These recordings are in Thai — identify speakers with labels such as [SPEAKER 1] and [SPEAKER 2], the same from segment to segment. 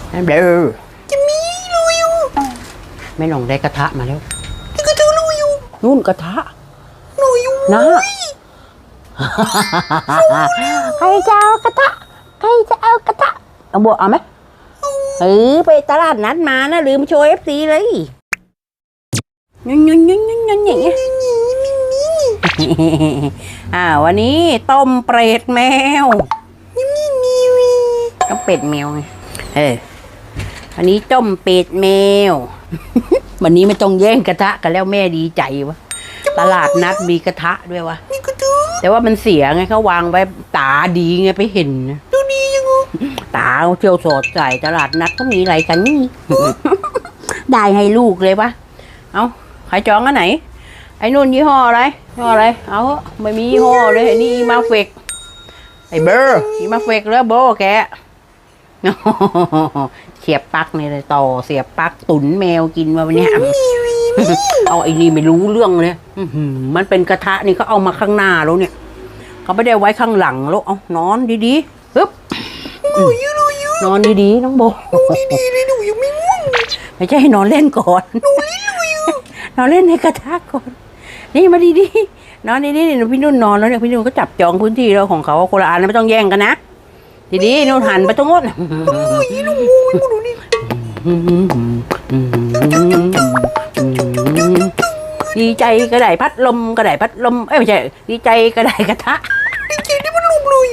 [SPEAKER 1] นั่นเบลอ
[SPEAKER 2] จะมีลุยอยู่
[SPEAKER 1] แม่น้องได้กระทะมาแล้ว
[SPEAKER 2] ที่กระทะลุยอยู่
[SPEAKER 1] นู่นกระทะ
[SPEAKER 2] ลุยอยู่
[SPEAKER 1] นะใครจะเอากระทะใครจะเอากระทะเอาบัวเอาไหมไปตลาดนัดมานะลืมโชว์FCเลยยุ่งอย่างเงี้ยวันนี้ต้มเป็ดแมวต้มเป็ดแมวไงวันนี้ต้มเป็ดแมววันนี้ไม่ต้องแย่งกระทะกันแล้วแม่ดีใจวะตลาดนัดมีกระทะด้วยวะแต่ว่ามันเสียไงเขาวางไว้ตาดีไงไปเห็นนะ
[SPEAKER 2] ดูดียังไง
[SPEAKER 1] ตาเที่ยวสอดใส่ตลาดนัดเขามีอะไรกันนี่ ได้ให้ลูกเลยวะเอาใครจองอันไหนไอ้นุ่นยี่ห้ออะไรเอาไม่มียี่ห้อเลยไอ้นี่มาเฟกไอ้เบอร์อีมาเฟกแล้วโบแกเสียบปลั๊กนี่เลยต่อเสียบปลั๊กตุ๋นแมวกินมาวันนี้เอาไอ้นี่ไม่รู้เรื่องเลยมันเป็นกระทะนี่เขาเอามาข้างหน้าแล้วเนี่ยเขาไม่ได้ไว้ข้างหลังแล้วเอานอนดีๆปึ๊บนอนดีๆน้องโบ
[SPEAKER 2] ดีเลยหนูยังไม่ง่วง
[SPEAKER 1] ไม่ใช่ให้นอนเล่นก่อนนอนเล่นในกระทะก่อนนี่มาดีๆนอนดีๆเนี่ยพี่นุ่นนอนแล้วเนี่ยพี่นุ่นก็จับจองพื้นที่แล้วของเขาคนละอันไม่ต้องแย่งกันนะดีๆนุ่นหันไปตรงโน้นดีใจก็ได้พัดลมไม่ใช่ดีใจก็ได้กระทะ
[SPEAKER 2] ดีใจที่มันลุกเลย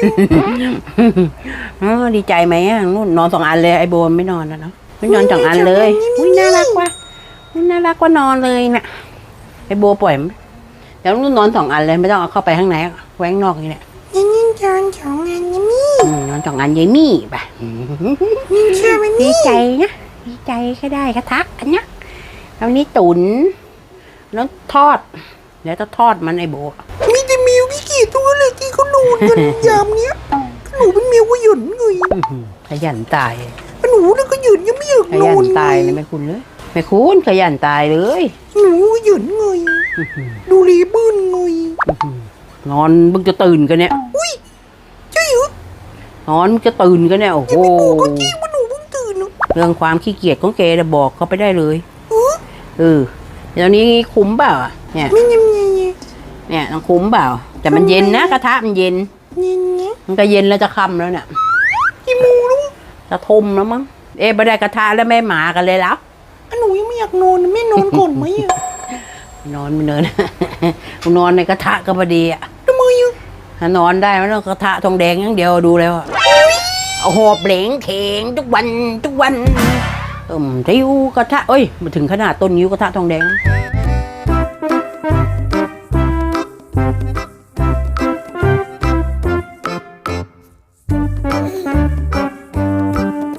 [SPEAKER 1] ดีใจไหมนุ่นนอน2 อันเลยไอโบไม่นอนแล้วเนาะไม่นอน2 อันเลยอุ้ยน่ารักว่ะนอนเลยน่ะไอโบปล่อยเดี๋ยวนุ่นนอน2 อันเลยไม่ต้องเอาเข้าไปข้างในแว้งนอกนี่แหละนอน2 อันยายมี่ป่ะดีใจนะดีใจก็ได้กระทะอันเนี้ยแล้วนี้ตุ๋นแล้วทอดแล้วจะทอดมันไอโบ
[SPEAKER 2] มีแต่แมวกี่ตัวเลยที่เขานอนกันยามเนี้ยหนูเป็นแมวขยันไง
[SPEAKER 1] ขยันตาย
[SPEAKER 2] หนูแล้วก็หยันยังไม่อยากนอน
[SPEAKER 1] ตายเลยไม่คุณเลยไม่คุณขยันตายเลย
[SPEAKER 2] หนูขยันไงดูรีบื้นไง
[SPEAKER 1] นอนมึงจะตื่นกันเนี่ย
[SPEAKER 2] อุ้ยใช่เหร
[SPEAKER 1] อนอนมึงจะตื่นกันเนี่ยโอ้โห
[SPEAKER 2] ก็จริงว่าหนูเพิ่งตื่น
[SPEAKER 1] เรื่องความขี้เกียจของแกจะบอกเขาไปได้เลยเดี๋ยวนี้คุ้มเปล่าเนี่ยต้องคุ้มเปล่าแต่มันเย็นนะกระทะมันเย็นมันก็เย็นแล้วจะค่ำแล้วเนี่ย
[SPEAKER 2] กี่โมงแล้ว
[SPEAKER 1] จะทุ่มแล้วมั้งไม่ได้กระทะแล้วแม่หมากันเลยแล้ว
[SPEAKER 2] หนูยังไม่อยากนอนแม่นอนก่อนไหม
[SPEAKER 1] นอนไม่เนินนอนในกระทะก็พอดี
[SPEAKER 2] ทำไม
[SPEAKER 1] ถ้านอนได้ไม่ต้องกระทะทองแดงอย่างเดียวดูแล้วเอาหอบเหลงเข่งทุกวันริ้วกระทะมาถึงขนาดต้นนิ้วกระทะทองแดง